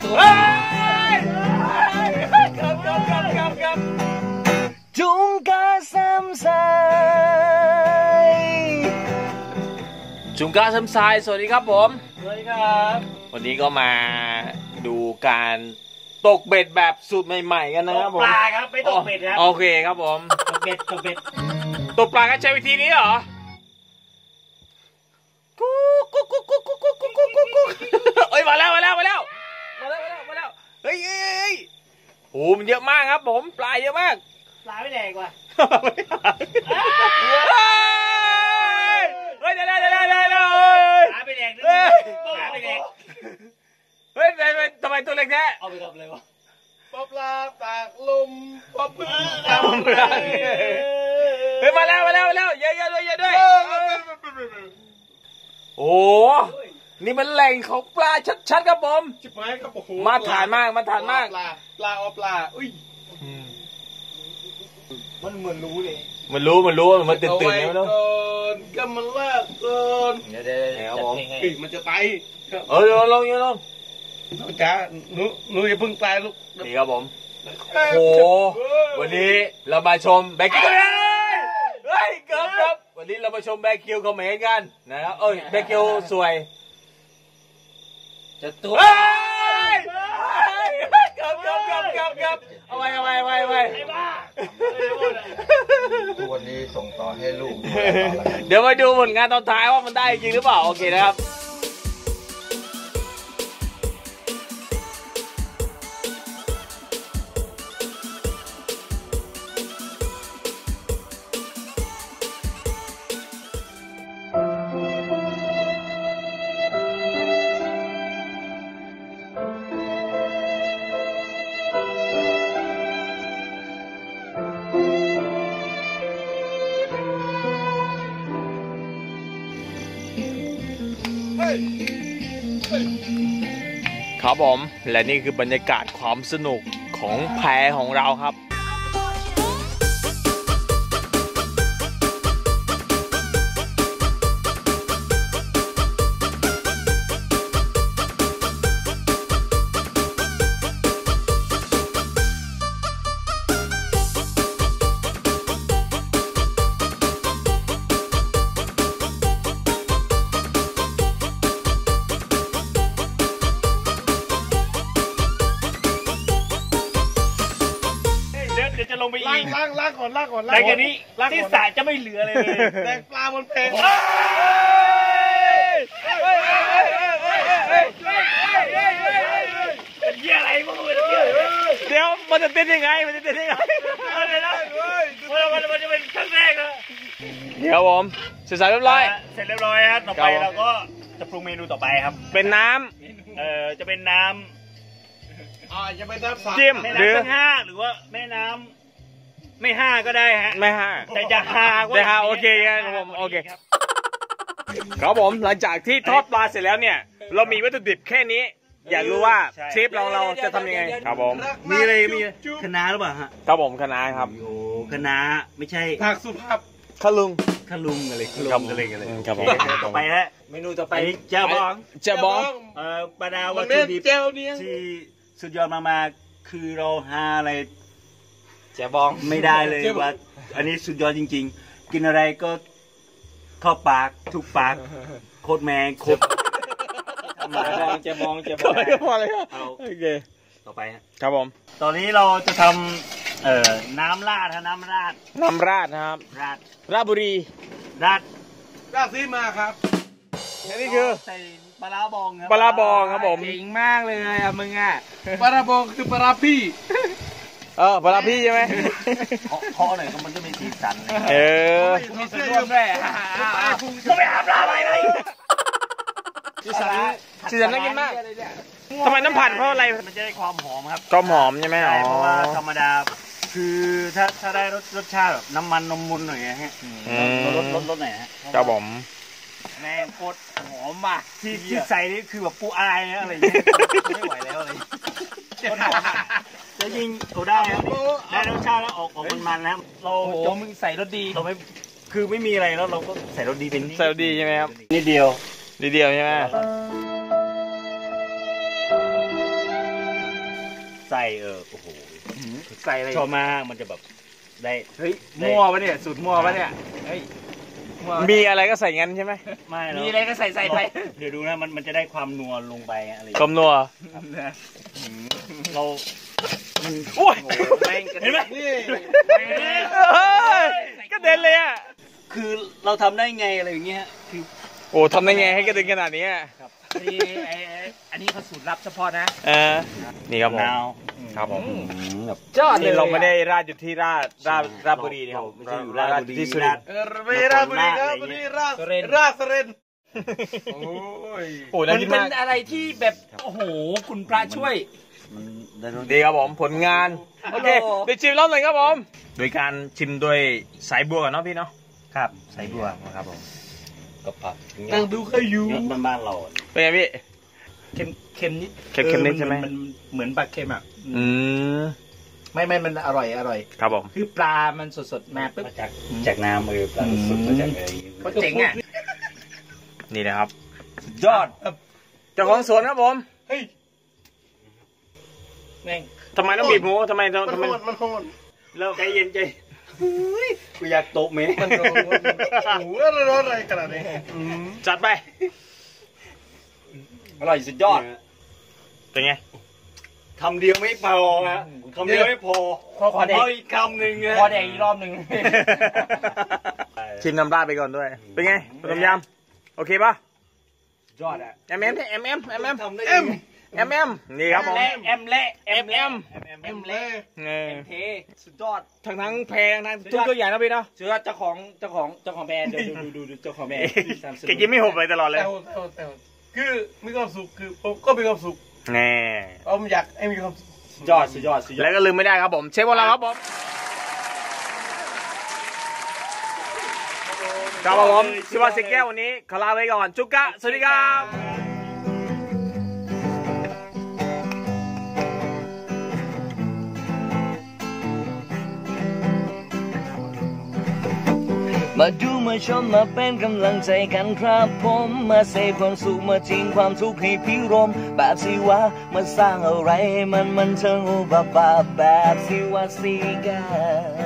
ครับจุงกาซ้ำสายจุงกาซ้ำสายสวัสดีครับผมสวัสดีครับวันนี้ก็มาดูการตกเบ็ดแบบสูตรใหม่ๆกันนะครับผมปลาครับไม่ตกเบ็ดครับโอเคครับผมตกเบ็ดตกปลาก็ใช้วิธีนี้เหรอกุ๊กเอ้ยมาแล้วเฮ้ยโอ้มันเยอะมากครับผมปลาเยอะมากปลาไม่แดงว่ะเฮ้ยเดี๋ยวปลาไม่แดงเฮ้ยทำไมตัวเล็กแท้เอาไปกับเลยวะปลาตากลมปลาพึ่งเฮ้ยมาแล้วเยอะด้วยโอ้นี่มันแหล่งของปลาชัดๆครับผมชิบหายครับโอ้โหมาทานมากปลาอุ้ยมันเหมือนรู้เลยมันรู้มันตื่นไงไม่รู้ก็มันลากก่อนเดี๋ยวผมมันจะตายลงจ้าหนูอย่าเพิ่งตายลูกนี่ครับผมโอ้วันนี้เรามาชมแบคิวเฮ้ยเกือบวันนี้เรามาชมแบคิวคอมเมนต์กันนะครับแบคิวสวยจะตัวเกือบเอาไว้ตัวนี้ส่งต่อให้ลูกเดี๋ยวมาดูผลงานตอนท้ายว่ามันได้จริงหรือเปล่าโอเคนะครับครับผมและนี่คือบรรยากาศความสนุกของแพของเราครับจะลงไปอีกล้างก่อนแต่แค่นี้ที่สระจะไม่เหลือเลยแต่ปลาบนเพลเป็นเหี้ยอะไรพวกมึงเดี๋ยวมันจะเต้นยังไงมันจะเป็นครั้งแรกนะเดี๋ยวผมเสร็จเรียบร้อยครับต่อไปเราก็จะปรุงเมนูต่อไปครับเป็นน้ำจะเป็นน้ำจะเป็นน้ำจิ้มหรือ5หรือว่าแม่น้ำไม่5ก็ได้ฮะไม่ 5แต่จะ 5โอเคครับผมโอเคครับผมหลังจากที่ทอดปลาเสร็จแล้วเนี่ยเรามีวัตถุดิบแค่นี้อยากรู้ว่าเชฟเราจะทำยังไงครับผมมีอะไรคณะหรือเปล่าฮะครับผมคณะครับโอ้คณะไม่ใช่ผักสุภาพขลุงอะไรครับผมต่อไปฮะเมนูต่อไปเจ้าบองบรรดาวัตถุดิบที่สุดยอดมากๆคือเราหาอะไรเจ้าบองไม่ได้เลยว่าอันนี้สุดยอดจริงๆกินอะไรก็เข้าปากทุกปากโคตรแมงโคตรเจ้าบองพอเลยครับโอเคต่อไปครับผมตอนนี้เราจะทำน้ำราดนะครับราชบุรีราดซีมาครับนี่คือใส่ปลาบองครับผมเก่งมากเลยอะมึงอะปลาบองคือปลาพี่ปลาพี่ใช่ไหมเพาะหน่อยก็มันจะมีสีสันมีเสื้อยืดด้วยก็ไปหาปลาไปเลยสีสันน่ากินมากทำไมน้ำผัดเพราะอะไรมันจะได้ความหอมครับความหอมใช่ไหมเพราะว่าธรรมดาคือถ้าได้รสชาติแบบน้ำมันนมมุนหน่อยฮะรสไหนฮะครับผมแม่โคตรหอมมากที่ใส่นี่คือแบบปูอายอะไรอย่างเงี้ยไม่ไหวแล้วอะไรจะยิงเขาได้ครับได้รสชาติแล้วออกมันแล้วเราจะมึงใส่รสดีเราไม่คือไม่มีอะไรแล้วเราก็ใส่รสดีเป็นใส่รสดีใช่ไหมครับนิดเดียวใช่ไหมไส้โอ้โหใส่อะไรชอบมากมันจะแบบได้เฮ้ยมั่วปะเนี่ยสูตรมั่วปะเนี่ยเฮ้ยมีอะไรก็ใส่งั้นใช่ไหมไม่หรอกมีอะไรก็ใส่ไปเดี๋ยวดูนะมันจะได้ความนัวลงไปอะไรกลมนัวเราโอ้ยเห็นไหมก็เด็นเลยอ่ะคือเราทำได้ไงอะไรอย่างเงี้ยคือโอ้ทำได้ไงให้กระเด็นขนาดนี้อันนี้เขาสูตรลับเฉพาะนะนี่ครับผมนาวครับผมแบบยอดเลยเราไม่ได้ราดอยู่ที่ราชบุรีนะครับไม่ใช่อยู่ราชบุรีที่สุรินทร์ไม่ราบุรีครับบุรีราสเรนโอ้ยโอ้มัน่าน กินเป็มากนอะไรที่แบบโอ้โหคุณพระช่วยดีครับผมผลงานโอเคเดี๋ยวชิมรอบหนึ่งครับผมโดยการชิมด้วยสายบัวก่อนเนาะพี่เนาะครับใส่บัวนะครับผมกับผักนั่งดูขยูบ้านเราเป็นไงพี่เค็มนิดเค็มนิดใช่ไหมมันเหมือนปลาเค็มอ่ะ ไม่มันอร่อยครับผมคือปลามันสดๆมาปุ๊บมาจากน้ำปลาสดมาจากอะไรก็เจ๋งอ่ะนี่นะครับยอดเจ้าของสวนครับผมเฮ้ยแม่งทำไมต้องบีบหมูทำไมมันโหดแล้วใจเย็นใจกูอยากโตะเมมันโหดโอ้โหร้อนอะไรขนาดนี้จัดไปอร่อยสุดยอดเป็นไงคำเดียวไม่พอฮะคำเดียวไม่พอขอแดกเอาอีกคำหนึ่งฮะขอแดกอีกรอบหนึ่งชิมน้ำราดไปก่อนด้วย เป็นไงต้มยำโอเคปะยอดอ่ะเอ็มทำได้นี่ครับผมแอมเละเอ็มเละ เทสุดยอดทั้งแพงทั้งทุกอย่างนะพี่เนาะเชื่อเจ้าของแบรนด์เดี๋ยวดูเจ้าของแบรนด์แกยิ้มไม่หุบเลยตลอดเลยแต่คือมีความสุขคือผมก็มีความสุขแน่ผมอยากให้มีความสุขสุดยอดแล้วก็ลืมไม่ได้ครับผมเชฟของเราครับผมครับผมชิวาสิแก้ววันนี้ขอลาไปก่อนจุกกะสวัสดีครับมาดูมาชมมาเป็นกำลังใจกันครับผมมาเสพความสุขมาทิ้งความทุกข์ให้พิรมแบบสิวะมาสร้างอะไรมันเชิงอุบาบาแบบสิวะสีกา